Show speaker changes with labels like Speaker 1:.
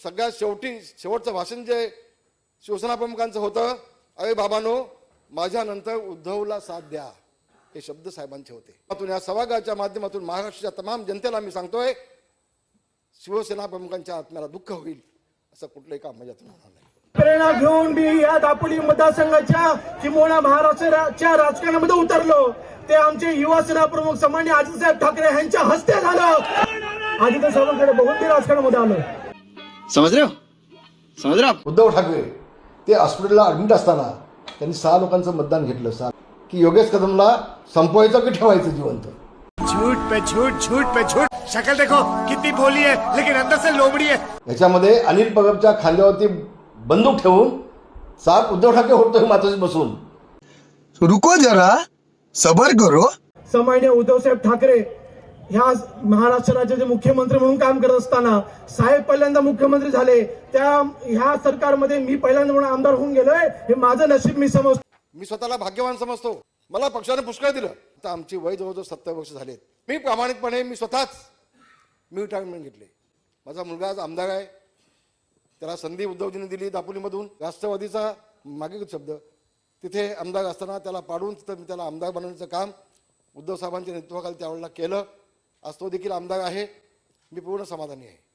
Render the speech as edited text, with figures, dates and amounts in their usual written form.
Speaker 1: सगळ्यात शेवटचं भाषण जे शिवसेना प्रमुखांचं होतं, अरे बाबांनो माझ्यानंतर उद्धवला साथ द्या, हे शब्द साहेबांचे होते. या सभागृहाच्या माध्यमातून महाराष्ट्राच्या तमाम जनतेला मी सांगतोय, शिवसेना प्रमुखांच्या आत्म्याला दुःख होईल असं कुठलंही काम माझ्यातून होणार नाही.
Speaker 2: प्रेरणा घेऊन मी या दापोली मतदारसंघाच्या किंवा महाराष्ट्राच्या राजकारणामध्ये उतरलो. ते आमचे युवा सेना प्रमुख सन्माननीय आदित्यसाहेब ठाकरे यांच्या हस्ते झालं. आदित्य सावंतकडे बघून मी राजकारणामध्ये आलो.
Speaker 3: समझ रहे हो?
Speaker 1: उद्धव ठाकरे ते हॉस्पिटलला ऍडमिट असताना त्यांनी 6 लोकांचं मतदान घेतलं, की योगेश कदमला संपवायचं की ठेवायचं जिवंत.
Speaker 4: झूठ पे झूठ, शक्ल देखो कितनी भोली है लेकिन अंदर से लोमड़ी है.
Speaker 1: याच्यामध्ये अनिल परबच्या खांद्यावरती बंदूक ठेवून साप उद्धव ठाकरे होतोय मातोश्रीत बसून.
Speaker 5: रुको जरा, सबर करो.
Speaker 2: सन्माननीय उद्धवसाहेब ठाकरे ह्या महाराष्ट्र राज्याचे मुख्यमंत्री म्हणून काम करत असताना साहेब पहिल्यांदा मुख्यमंत्री झाले. ह्या सरकारमध्ये मी पहिल्यांदा म्हणून आमदार होऊन गेलोय. हे माझं नशीब मी समजतो. मी स्वतःला भाग्यवान समजतो. मला पक्षाने पुष्कळ दिलं. आता आमची वय जवळजवळ 70 वर्ष झालेत. मी प्रामाणिकपणे मी रिटायरमेंट घेतले. माझा मुलगा आज आमदार आहे. त्याला संधी उद्धवजींनी दिली दापोलीमधून. राष्ट्रवादीचा मागे शब्द तिथे आमदार असताना त्याला पाडून तिथं मी त्याला आमदार बनवण्याचं काम उद्धव साहेबांच्या नेतृत्वाखाली त्यावेळेला केलं. आज तो देखील आमदार आहे. मी पूर्ण समाधानी आहे.